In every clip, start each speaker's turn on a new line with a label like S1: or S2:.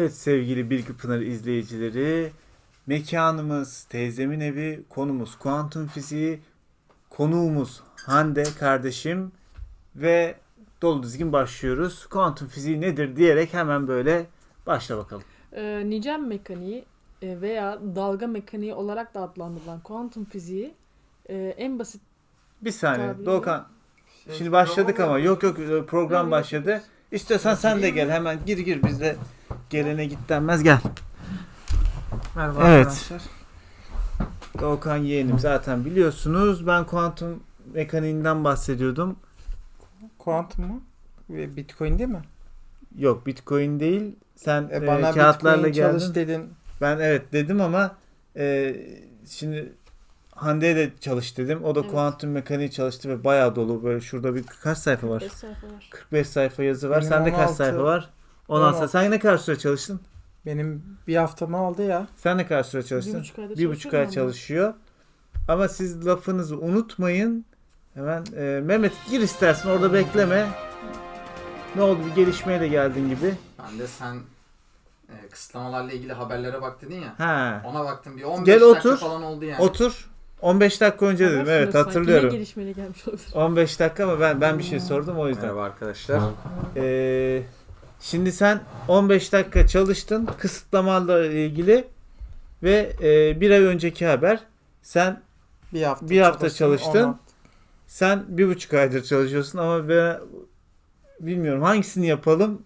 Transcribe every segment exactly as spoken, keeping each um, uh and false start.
S1: Evet sevgili Bilgi Pınar izleyicileri, mekanımız teyzemin evi, konumuz kuantum fiziği, konuğumuz Hande kardeşim ve dolu dizgin başlıyoruz. Kuantum fiziği nedir diyerek hemen böyle başla bakalım.
S2: Ee, nicel mekaniği e, veya dalga mekaniği olarak da adlandırılan kuantum fiziği e, en basit
S1: Bir saniye
S2: Tabii.
S1: Doğukan,
S3: Şey,
S1: şimdi başladık ama yok yok program
S2: Yok.
S1: başladı. İstiyorsan sen de gel, hemen gir gir, bizde gelene git denmez, gel.
S3: Merhaba
S1: Evet.
S3: arkadaşlar.
S1: Doğukan yeğenim, zaten biliyorsunuz ben kuantum mekaniğinden bahsediyordum.
S3: Kuantum mu? Ve Bitcoin değil mi?
S1: Yok, Bitcoin değil. Sen
S3: E,
S1: e,
S3: bana
S1: kağıtlarla
S3: Bitcoin
S1: geldin.
S3: çalış dedin.
S1: Ben evet dedim ama e, şimdi Hande'ye de çalış dedim. O da
S2: Evet.
S1: kuantum mekaniği çalıştı ve bayağı dolu. Böyle şurada bir kaç sayfa var?
S2: beş sayfa var.
S1: kırk beş sayfa yazı var.
S3: Benim
S1: Sende kaç
S3: on altı.
S1: sayfa var? on altı.
S3: on altı.
S1: Sen ne kadar süre çalıştın?
S3: Benim bir haftamı aldı ya.
S1: Sen ne kadar süre
S2: Bir
S1: çalıştın?
S2: buçuk ayda
S1: Bir buçuk ay
S2: çalışıyorum
S1: çalışıyor. Ama siz lafınızı unutmayın. Hemen e, Mehmet gir istersen, orada bekleme. Ne oldu, bir gelişmeye de geldin gibi.
S4: Ben de sen e, kısıtlamalarla ilgili haberlere bak dedin ya.
S1: Ha.
S4: Ona baktım, bir on beş
S1: Gel
S4: dakika
S1: otur.
S4: falan oldu yani.
S1: Otur. on beş dakika önce
S2: Haber
S1: dedim. Evet,
S2: sunuyorsun sanki.
S1: hatırlıyorum.
S2: Ne gelişmeyle gelmiş olabilir.
S1: on beş dakika ama ben ben bir şey sordum o yüzden.
S4: Merhaba arkadaşlar.
S1: Ee, şimdi sen on beş dakika çalıştın kısıtlamalarla ilgili ve e, bir ay önceki haber. Sen
S3: Bir hafta
S1: Bir hafta
S3: çalıştım,
S1: çalıştın.
S3: on altı.
S1: sen bir buçuk aydır çalışıyorsun ama ben bilmiyorum hangisini yapalım.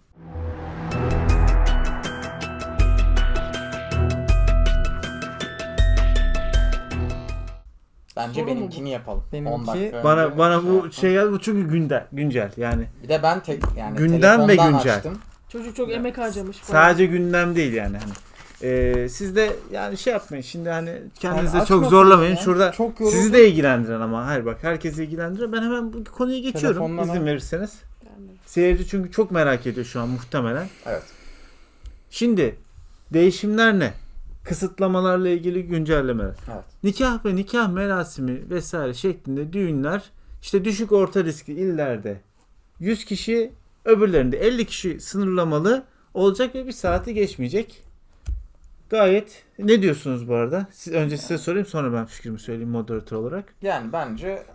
S4: Bence
S2: Soru mu
S4: benimkini yapalım.
S3: Benimki-
S4: on dakika
S1: Bana
S4: önce
S1: bana bu
S4: yaptım.
S1: şey geldi, bu çünkü güncel güncel yani.
S4: Bir de ben tek yani
S1: Gündem ve
S4: telefondan
S1: güncel.
S4: açtım.
S2: Çocuk çok emek harcamış.
S1: Sadece gündem değil yani hani. Ee, siz de yani şey yapmayın şimdi, hani kendinizi
S3: Sen
S1: çok
S3: açma
S1: zorlamayın.
S3: ya.
S1: Şurada
S3: Çok yoruldum.
S1: sizi de ilgilendiren, ama hayır bak, herkesi ilgilendiriyor. Ben hemen bu konuya geçiyorum
S3: Telefondan
S1: izin
S3: al.
S1: verirseniz.
S2: Yani.
S1: Seyirci çünkü çok merak ediyor şu an muhtemelen.
S4: Evet.
S1: Şimdi değişimler ne? Kısıtlamalarla ilgili güncellemeler.
S4: Evet.
S1: Nikah ve nikah merasimi vesaire şeklinde düğünler işte düşük orta riskli illerde yüz kişi, öbürlerinde elli kişi sınırlamalı olacak ve bir saati geçmeyecek. Gayet, ne diyorsunuz bu arada? Siz, önce size sorayım, sonra ben fikrimi söyleyeyim moderatör olarak.
S4: Yani bence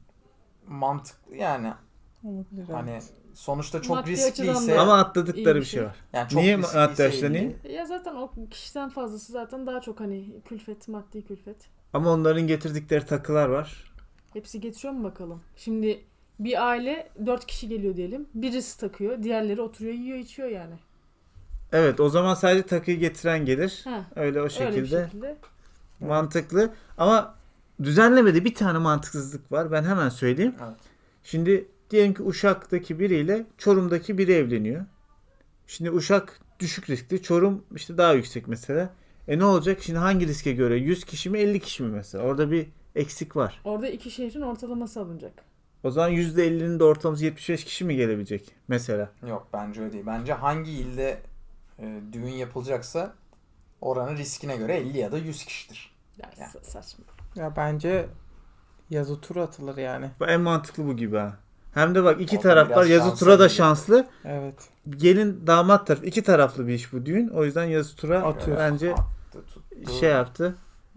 S4: mantıklı yani
S3: Olabilir,
S4: hani
S3: evet.
S4: sonuçta çok
S2: Maddi açıdan
S4: riskliyse
S2: da-
S1: Ama atladıkları
S2: iyi bir
S1: bir şey
S2: şey.
S1: var.
S4: yani çok
S1: Niye
S4: riskliyse
S1: maddi açıdan
S4: ilgili-
S1: iyi?
S2: Ya zaten o kişiden fazlası zaten daha çok hani külfet, maddi külfet.
S1: Ama onların getirdikleri takılar var.
S2: Hepsi getiriyor mu bakalım? Şimdi bir aile dört kişi geliyor diyelim. Birisi takıyor, diğerleri oturuyor, yiyor, içiyor yani.
S1: Evet, o zaman sadece takıyı getiren gelir.
S2: Ha,
S1: Öyle o
S2: öyle bir
S1: şekilde.
S2: şekilde.
S1: Mantıklı. Ama düzenlemede bir tane mantıksızlık var. Ben hemen söyleyeyim.
S4: Evet.
S1: Şimdi diyelim ki Uşak'taki biriyle Çorum'daki biri evleniyor. Şimdi Uşak düşük riskli, Çorum işte daha yüksek mesela. E ne olacak? Şimdi hangi riske göre? yüz kişi mi, elli kişi mi mesela? Orada bir eksik var.
S2: Orada iki şehrin ortalaması alınacak.
S1: O zaman yüzde ellinin de ortalaması yetmiş beş kişi mi gelebilecek mesela?
S4: Yok, bence öyle değil. Bence hangi ilde e, düğün yapılacaksa oranın riskine göre elli ya da yüz kişidir.
S2: Ya,
S4: Ya.
S2: sa- saçma.
S3: Ya bence yazı turu atılır yani.
S1: Bu en mantıklı bu gibi ha. Hem de bak, iki
S4: O da
S1: taraf var.
S4: biraz
S1: Yazı
S4: şansa
S1: tura da
S4: geliyor.
S1: şanslı.
S3: Evet.
S1: Gelin damat tarafı, iki taraflı bir iş bu düğün. O yüzden yazı tura
S3: Atıyor.
S1: bence
S4: Attı, tuttu.
S1: şey yaptı.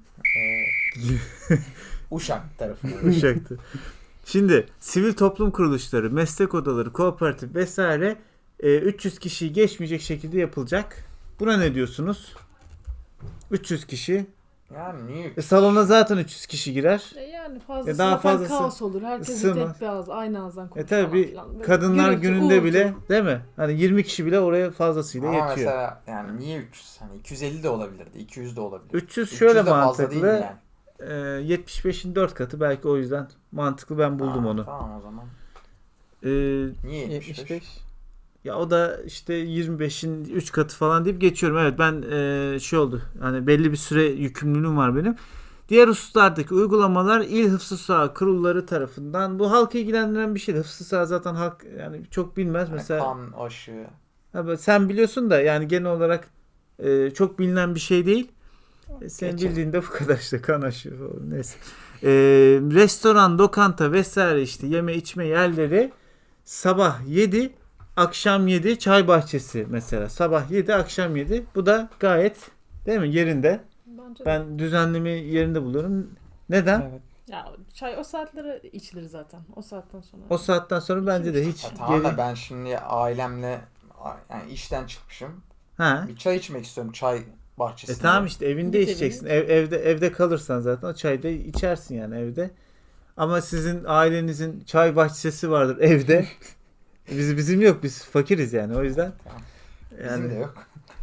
S4: E, Uşak tarafına.
S1: Uşaktı. Şimdi sivil toplum kuruluşları, meslek odaları, kooperatif vesaire e, üç yüz kişiyi geçmeyecek şekilde yapılacak. Buna ne diyorsunuz? üç yüz kişi.
S4: Yani niye?
S1: E, salona zaten üç yüz kişi girer.
S2: E yani fazlası
S1: E daha
S2: zaten
S1: fazlası
S2: kaos olur. Herkes
S1: sığmaz.
S2: tek bir ağız, aynı ağızdan
S1: E
S2: konuşur
S1: tabi
S2: falan
S1: bir
S2: filan. Böyle
S1: kadınlar
S2: gürültü,
S1: gününde
S2: uğultu.
S1: bile, değil mi? Hani yirmi kişi bile oraya fazlasıyla
S4: Ama
S1: yetiyor.
S4: mesela yani niye üç yüz? Hani iki yüz elli de olabilirdi, iki yüz de olabilir.
S1: üç yüz
S4: üç yüz
S1: şöyle
S4: de fazla değil
S1: mantıklı.
S4: yani.
S1: E, yetmiş beşin dört katı, belki o yüzden mantıklı, ben buldum
S4: Ha,
S1: onu.
S4: Tamam o zaman.
S1: E,
S4: Niye yetmiş beş?
S3: yetmiş beş.
S1: Ya o da işte yirmi beşin üç katı falan deyip geçiyorum. Evet, ben e, şey oldu. Hani belli bir süre yükümlülüğüm var benim. Diğer hususlardaki uygulamalar il hıfzı saha kurulları tarafından. Bu halkı ilgilendiren bir şey. Hıfzı saha zaten halk yani çok bilmez.
S4: Yani
S1: Mesela
S4: kan, aşı.
S1: ha, böyle sen biliyorsun da yani genel olarak e, çok bilinen bir şey değil. E, senin
S3: Geçelim.
S1: bildiğin de bu kadar işte, kan aşı falan, neyse. E, restoran, lokanta vesaire işte yeme içme yerleri sabah yedi akşam yedi çay bahçesi mesela. Sabah yedi akşam yedi. Bu da gayet değil mi yerinde.
S2: Bence de.
S1: Ben düzenlemeyi yerinde buluyorum. Neden?
S3: Evet.
S2: Ya çay o saatlere içilir zaten. O saatten sonra.
S1: O saatten sonra bence de hiç
S4: Ya tamam da
S1: geri...
S4: ben şimdi ailemle yani işten çıkmışım.
S1: Ha.
S4: Bir çay içmek istiyorum çay
S1: E
S4: bahçesinde.
S1: tamam işte evinde
S2: Git
S1: içeceksin. Ev, evde evde kalırsan zaten o çayı da içersin yani evde. Ama sizin ailenizin çay bahçesi vardır evde. Biz bizim yok. Biz fakiriz yani o yüzden.
S4: Tamam.
S1: Yani
S4: Bizim de yok.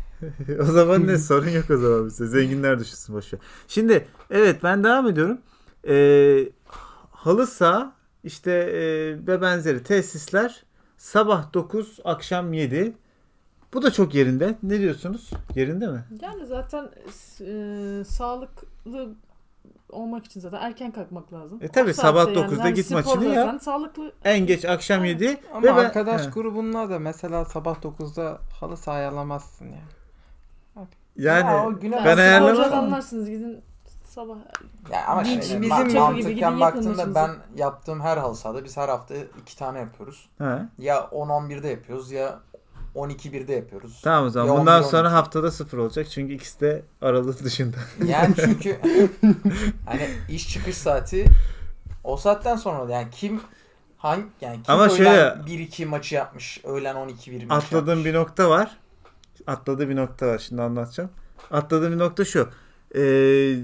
S1: o zaman ne sorun yok o zaman bize. Zenginler düşünsün boşver. Şimdi evet ben devam ediyorum. Ee, halı saha işte e, ve benzeri tesisler sabah dokuz akşam yedi. Bu da çok yerinde. Ne diyorsunuz? Yerinde mi?
S2: Yani zaten e, sağlıklı olmak için zaten erken kalkmak lazım.
S1: E tabii,
S2: O
S1: sabah
S2: saatte
S1: dokuzda
S2: yani
S1: git
S2: spor
S1: maçını
S2: zaten
S1: yap.
S2: Sağlıklı.
S1: En geç akşam yedi.
S3: Ama
S1: Ve ben-
S3: arkadaş
S1: He.
S3: grubunla da mesela sabah dokuzda halı saha ayarlamazsın yani.
S1: Yani
S4: Ya o güne
S1: ben
S2: sporcu
S1: ayarlamam.
S2: adamlarsınız gidin sabah.
S4: Ya ama
S2: Bizim-
S4: şimdi
S3: bizim
S4: ma-
S3: gibi
S4: mantıken
S2: gidin yapın
S4: baktığımda
S2: işinizi.
S4: ben yaptığım her halı sahada biz her hafta iki tane yapıyoruz.
S1: ha.
S4: Ya on on birde yapıyoruz ya on iki birde yapıyoruz.
S1: Tamam o zaman.
S4: Ya
S1: Bundan
S4: on bir, on
S1: sonra
S4: iki.
S1: haftada sıfır olacak. Çünkü ikisi de aralık dışında.
S4: Yani çünkü hani iş çıkış saati o saatten sonra yani kim hangi yani kim
S1: Ama
S4: öğlen
S1: şöyle-
S4: bir iki maçı yapmış, öğlen on iki bir maçı
S1: Atladığım
S4: yapmış.
S1: bir nokta var. Atladığım bir nokta var. Şimdi anlatacağım. Atladığım bir nokta şu. Ee,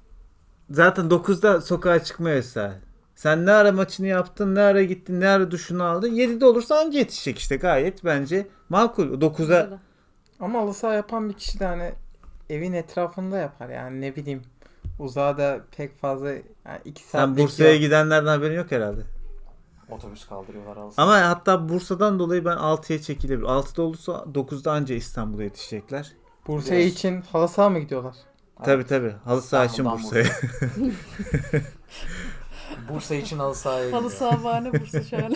S1: zaten dokuzda sokağa çıkma yasağı. Sen ne ara maçını yaptın, ne ara gittin, ne ara duşunu aldın. yedide olursa anca yetişecek işte. Gayet bence makul. dokuza
S3: Ama halı saha yapan bir kişi de hani evin etrafında yapar yani ne bileyim. Uzağa da pek fazla yani iki
S1: sen
S3: saatlik
S1: Bursa'ya
S3: yol-
S1: gidenlerden haberin yok herhalde.
S4: Otobüs kaldırıyorlar halı saha.
S1: Ama hatta Bursa'dan dolayı ben altıya çekilebilir. altıda olursa dokuzda anca İstanbul'a yetişecekler.
S3: Bursa'ya
S4: Yes.
S3: için halı saha mı gidiyorlar?
S1: Tabii tabii. Halı saha için
S4: İstanbul'dan
S1: Bursa'ya.
S4: Bursa için halı sahaya
S2: Halı
S4: gidiyor.
S2: saha bahane Bursa şahane.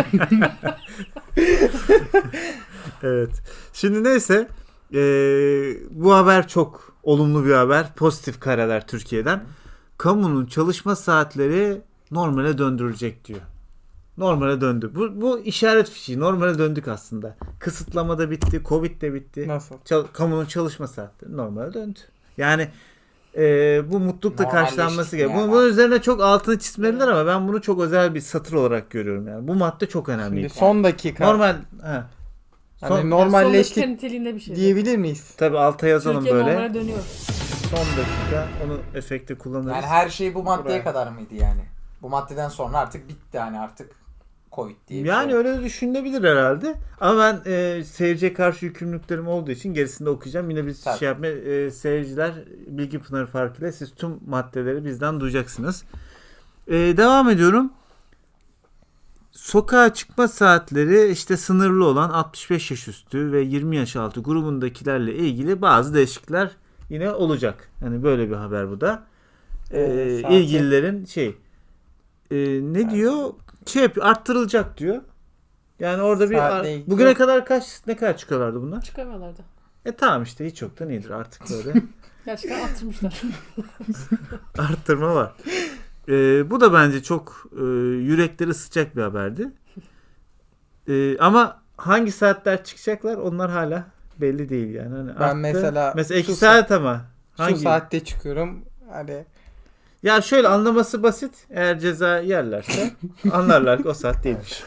S1: Evet. Şimdi neyse eee, bu haber çok olumlu bir haber. Pozitif kareler Türkiye'den. Kamunun çalışma saatleri normale döndürülecek diyor. Normale döndü. Bu, bu işaret fişi. Normale döndük aslında. Kısıtlama da bitti. Covid de bitti.
S3: Nasıl?
S1: Çal- kamunun çalışma saatleri normale döndü. Yani eee, bu mutlulukla
S4: Normalleştik
S1: karşılanması gerekiyor.
S4: yani.
S1: Bunun, bunun üzerine çok altını çizmeliler ama ben bunu çok özel bir satır olarak görüyorum. Yani bu madde çok önemli.
S3: Şimdi son dakika.
S1: Normal. He.
S3: Hani
S1: Son-
S2: Son
S3: normalleştik
S2: dakika niteliğinde bir şey.
S3: diyebilir miyiz?
S1: Tabii alta yazalım
S2: Türkiye
S1: böyle.
S2: normale dönüyor.
S1: Son dakika onu efekte kullanırız.
S4: Yani her şey bu maddeye
S1: Buraya.
S4: kadar mıydı yani? Bu maddeden sonra artık bitti hani artık Covid diye bir
S1: Yani
S4: şey.
S1: öyle de düşünülebilir herhalde. Ama ben e, seyirciye karşı yükümlülüklerim olduğu için gerisini de okuyacağım. Yine biz
S4: Tabii.
S1: şey yapma e, seyirciler Bilgi Pınarı farkıyla siz tüm maddeleri bizden duyacaksınız. E, devam ediyorum. Sokağa çıkma saatleri işte sınırlı olan altmış beş yaş üstü ve yirmi yaş altı grubundakilerle ilgili bazı değişiklikler yine olacak. Hani böyle bir haber bu da. E,
S3: Ee, saati-
S1: ilgililerin şey e, ne diyor? Şey yapıyor, arttırılacak diyor. Yani orada bir
S3: Saatle
S1: ar-
S3: ilgili
S1: bugüne
S3: yok.
S1: kadar kaç ne kadar çıkıyorlardı bunlar?
S2: Çıkamıyorlardı.
S1: E tamam işte hiç yoktan iyidir artık böyle.
S2: Gerçekten attırmışlar.
S1: Arttırma var. E, bu da bence çok e, yürekleri ısıtacak bir haberdi. E, ama hangi saatler çıkacaklar onlar hala belli değil yani. Hani
S3: Ben
S1: arttı.
S3: mesela
S1: mesela iki
S3: şu
S1: saat ama hangi?
S3: Şu saatte çıkıyorum. Hani
S1: Ya şöyle anlaması basit. Eğer ceza yerlerse anlarlar ki o saat değilmiş.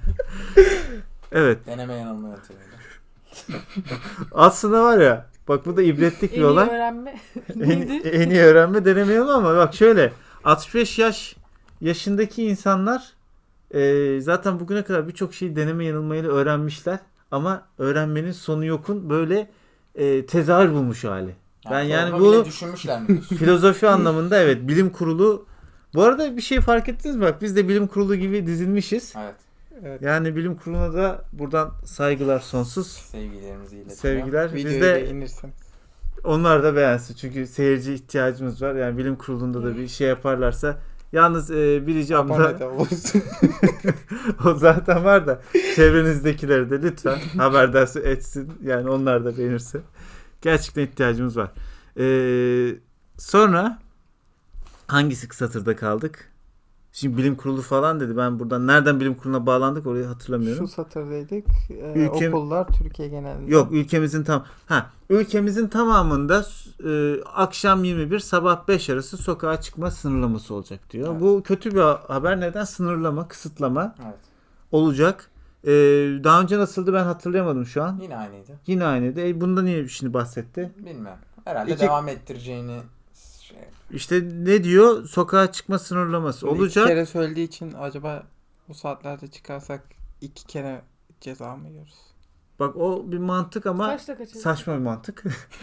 S1: Evet.
S4: Deneme yanılma yöntemiyle.
S1: Aslında var ya bak bu da ibretlik
S2: En
S1: bir
S2: iyi
S1: olay.
S2: öğrenme
S1: En,
S2: neydi?
S1: en iyi öğrenme denemeyelim ama bak şöyle altmış beş yaş yaşındaki insanlar e, zaten bugüne kadar birçok şeyi deneme yanılmayla öğrenmişler ama öğrenmenin sonu yokun böyle e, tezahür bulmuş hali. Ben yani
S4: programı bile
S1: bunu-
S4: düşünmüşler mi diyorsun?
S1: Filozofi anlamında evet bilim kurulu bu arada bir şey fark ettiniz mi? Bak biz de bilim kurulu gibi dizilmişiz.
S4: Evet.
S3: evet,
S1: Yani bilim kuruluna da buradan saygılar sonsuz.
S4: Sevgilerimizi iletelim.
S1: Sevgiler. Biz
S3: videoyu
S1: de
S3: beğenirsiniz.
S1: onlar da beğensin. Çünkü seyirci ihtiyacımız var. Yani bilim kurulunda da bir şey yaparlarsa. Yalnız e, bir ricam
S3: Abone
S1: da
S3: de olursun.
S1: o zaten var da çevrenizdekileri de lütfen haberdar etsin. Yani onlar da beğenirse. Gerçekten ihtiyacımız var. Ee, sonra hangisi satırda kaldık? Şimdi bilim kurulu falan dedi. Ben buradan nereden bilim kuruluna bağlandık orayı hatırlamıyorum.
S3: Şu satırdaydık. Ee,
S1: Ülke-
S3: Okullar Türkiye genelinde.
S1: Yok ülkemizin tam ha ülkemizin tamamında e, akşam yirmi bir sabah beş arası sokağa çıkma sınırlaması olacak diyor.
S4: Evet.
S1: Bu kötü bir haber. Neden? Sınırlama, kısıtlama
S4: Evet.
S1: olacak. E, daha önce nasıldı ben hatırlayamadım şu an.
S4: Yine aynıydı.
S1: Yine aynıydı. E, bunda niye şimdi bahsetti?
S4: Bilmiyorum. Herhalde
S1: İki-
S4: devam ettireceğini şey.
S1: İşte ne diyor? Sokağa çıkma sınırlaması
S3: İki
S1: olacak.
S3: kere söylediği için acaba bu saatlerde çıkarsak iki kere ceza mı yiyoruz?
S1: Bak o bir mantık ama
S2: Kaçta kaçacak?
S1: saçma bir mantık.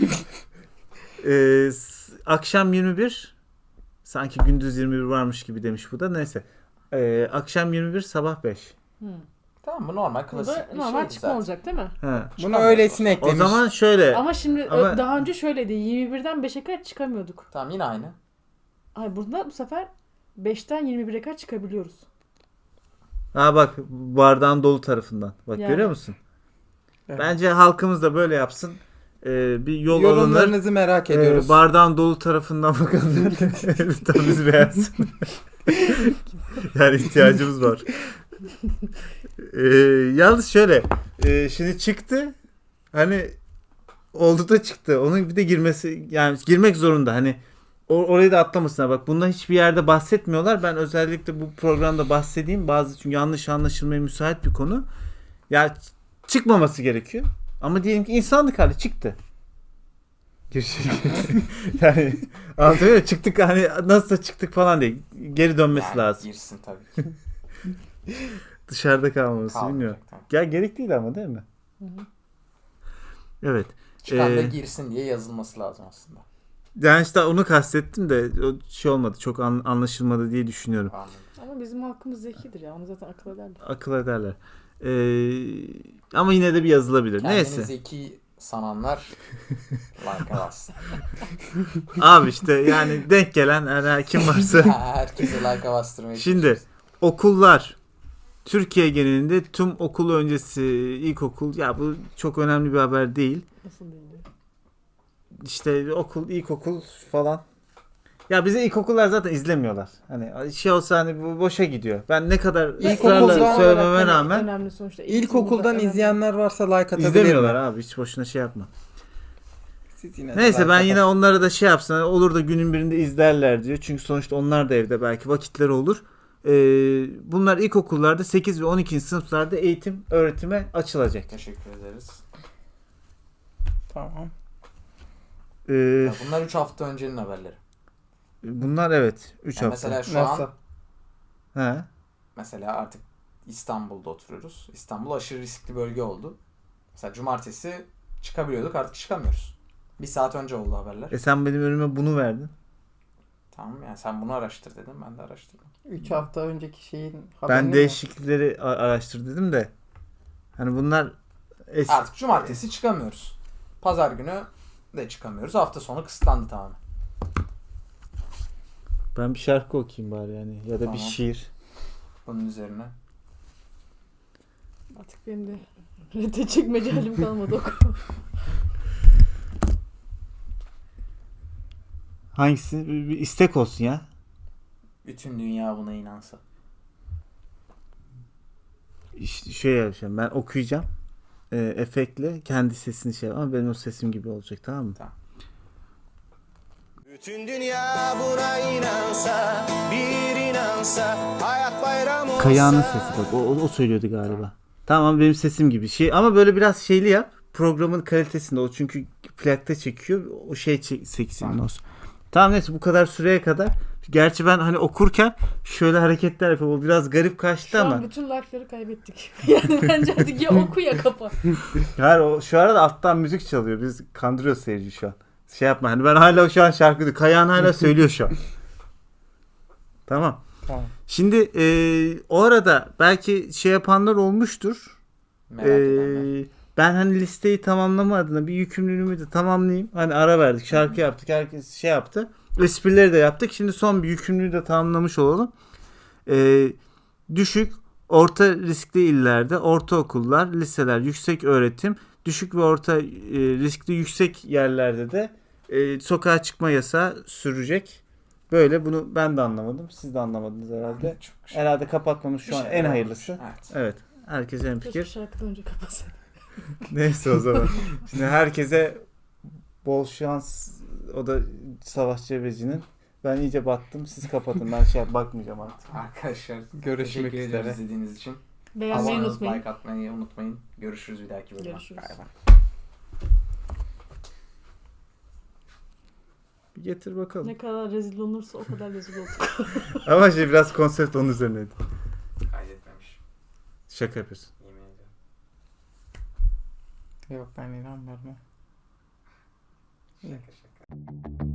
S1: Ee, s- akşam yirmi bir sanki gündüz yirmi bir varmış gibi demiş bu da. Neyse. Ee, akşam yirmi bir sabah beş.
S2: Hı.
S4: Tamam bu normal
S2: Bu
S4: klasik
S2: da
S4: bir
S2: normal
S4: şeydi
S2: çıkma
S4: zaten.
S2: olacak değil mi?
S1: Ha.
S3: Bunu
S4: Çıkamıyoruz.
S3: öylesine
S1: O
S3: eklemiş.
S1: zaman şöyle.
S2: Ama şimdi
S1: Ama-
S2: daha önce şöyleydi. yirmi birden beşe kadar çıkamıyorduk.
S4: Tamam yine aynı.
S2: Ay burada bu sefer beşten yirmi bire kadar çıkabiliyoruz.
S1: Ha bak bardağın dolu tarafından. Bak
S2: Yani.
S1: görüyor musun?
S3: Evet.
S1: Bence halkımız da böyle yapsın. Ee, bir yol alınır.
S3: Yorumlarınızı merak ediyoruz.
S1: Ee, bardağın dolu tarafından bakanlar lütfen bizi beğensin. Yani ihtiyacımız var. Ee, yalnız şöyle e, şimdi çıktı hani oldu da çıktı. Onun bir de girmesi yani girmek zorunda. Hani o- orayı da atlamasınlar. Bak bundan hiçbir yerde bahsetmiyorlar. Ben özellikle bu programda bahsedeyim. Bazı çünkü yanlış anlaşılmaya müsait bir konu. Ya ç- çıkmaması gerekiyor. Ama diyelim ki insanlık hali çıktı. Yani anlatabiliyor muyum? Çıktık hani nasılsa çıktık falan değil. Geri dönmesi
S4: Yani
S1: lazım.
S4: Girsin tabii ki.
S1: Dışarıda kalmaması
S4: Kalmayacak,
S1: bilmiyorum.
S4: tamam.
S1: Ya gerek değil ama değil mi?
S2: Hı hı.
S1: Evet.
S4: Çıkan da
S1: Ee,
S4: girsin diye yazılması lazım aslında.
S1: Yani işte onu kastettim de o şey olmadı. Çok an- anlaşılmadı diye düşünüyorum.
S4: Anladım.
S2: Ama bizim halkımız zekidir ya. Onu zaten akıl ederler.
S1: Akıl ederler. Ee, ama yine de bir yazılabilir.
S4: Kendini
S1: Neyse.
S4: zeki sananlar like bassın.
S1: Abi işte yani denk gelen yani kim varsa.
S4: Herkese like bastırmaya
S1: Şimdi
S4: çalışıyoruz.
S1: okullar Türkiye genelinde tüm okul öncesi ilkokul ya bu çok önemli bir haber değil.
S2: Nasıl değil?
S1: İşte okul, ilkokul falan. Ya bize ilkokullar zaten izlemiyorlar. Hani şey olsa hani bu boşa gidiyor. Ben ne kadar
S3: İlkokuldan
S1: ısrarla söylememe
S2: olarak hani
S1: rağmen
S2: önemli sonuçta.
S3: İlkokuldan
S2: önemli.
S3: izleyenler varsa like atabilir
S1: izlemiyorlar
S3: mi?
S1: abi. Hiç boşuna şey yapma.
S3: Siz yine de
S1: Neyse
S3: like
S1: ben
S3: atın.
S1: yine onlara da şey yapsın. Hani olur da günün birinde izlerler diyor. Çünkü sonuçta onlar da evde belki vakitleri olur. Ee, bunlar ilkokullarda sekiz ve on ikinci sınıflarda eğitim öğretime açılacak.
S4: Teşekkür ederiz.
S3: Tamam.
S1: Ee,
S4: Ya bunlar üç hafta öncenin haberleri.
S1: bunlar evet üç
S4: Yani
S1: hafta.
S4: mesela şu
S3: Nasıl?
S1: He.
S4: Mesela artık İstanbul'da oturuyoruz. İstanbul aşırı riskli bölge oldu. Mesela cumartesi çıkabiliyorduk, artık çıkamıyoruz. Bir saat önce oldu haberler.
S1: E sen benim önüme bunu verdin.
S4: Tamam yani sen bunu araştır dedim, ben de araştırdım.
S3: üç hafta önceki şeyin haberini
S1: Ben
S3: mi?
S1: değişiklikleri a- araştır dedim de. Hani bunlar eski.
S4: Artık cumartesi çıkamıyoruz. Pazar günü de çıkamıyoruz. Hafta sonu kısıtlandı tamamen.
S1: Ben bir şarkı okuyayım bari yani ya da
S4: Tamam.
S1: bir şiir.
S4: Bunun üzerine.
S2: Artık benim de rete çekmece halim kalmadı oku.
S1: Hangisi? Bir, bir istek olsun ya.
S4: Bütün dünya buna inansa.
S1: İşte şöyle yapacağım. Ben okuyacağım. E, efektle kendi sesini şey ama benim o sesim gibi olacak, tamam mı?
S4: Tamam.
S5: Bütün dünya buna inansa, bir inansa, hayat bayram olsa.
S1: Kayağının sesi bak. O, o, o söylüyordu galiba. Tamam benim sesim gibi. Şey ama böyle biraz şeyli yap. Programın kalitesinde o çünkü plakta çekiyor. O şey çek, seksinin olsun. Tamam neyse bu kadar süreye kadar. Gerçi ben hani okurken şöyle hareketler yapıyorum. O biraz garip kaçtı
S2: Şu
S1: ama.
S2: an bütün like'ları kaybettik. Yani bence artık ya oku ya kapa.
S1: Hayır o şu arada alttan müzik çalıyor. Biz kandırıyoruz seyirci şu an. Şey yapma hani ben hala şu an şarkı diyor. Kayan hala söylüyor şu an. Tamam.
S3: Tamam.
S1: Şimdi e, o arada belki şey yapanlar olmuştur.
S4: Merak edenler.
S1: Ee, ben hani listeyi tamamlama adına bir yükümlülüğümü de tamamlayayım. Hani ara verdik, şarkı yaptık, herkes şey yaptı. Esprileri de yaptık. Şimdi son bir yükümlülüğü de tamamlamış olalım. Ee, düşük, orta riskli illerde ortaokullar, liseler, yüksek öğretim, düşük ve orta e, riskli yüksek yerlerde de e, sokağa çıkma yasağı sürecek. Böyle bunu ben de anlamadım. Siz de anlamadınız herhalde.
S4: Çok şey.
S1: Herhalde kapatmamız şu
S4: Bir
S1: an
S4: şeyler
S1: en
S4: olmuş.
S1: hayırlısı.
S4: Evet.
S1: Evet. Herkese en
S2: Keşke
S1: fikir.
S2: şarkıdan önce kapatsaydık.
S1: Neyse o zaman. Şimdi herkese bol şans. O da Savaş Cebeci'nin. Ben iyice battım. Siz kapatın. Ben şey bakmayacağım artık.
S4: Arkadaşlar
S3: Görüşmek
S4: teşekkür ederiz
S3: üzere.
S4: izlediğiniz için.
S2: Beğenmeyi
S4: Abone olup
S2: unutmayın.
S4: like atmayı unutmayın. Görüşürüz bir dahaki bölümde.
S2: Görüşürüz.
S3: Bay bay.
S1: Bir getir bakalım.
S2: Ne kadar rezil olursa o kadar rezil olduk.
S1: Ama şey biraz konsept onun üzerineydi.
S4: Kaydetmemiş.
S1: Şaka yapıyorsun.
S4: Yemin ediyorum.
S3: Yok ben inanmıyorum.
S4: Şaka şaka.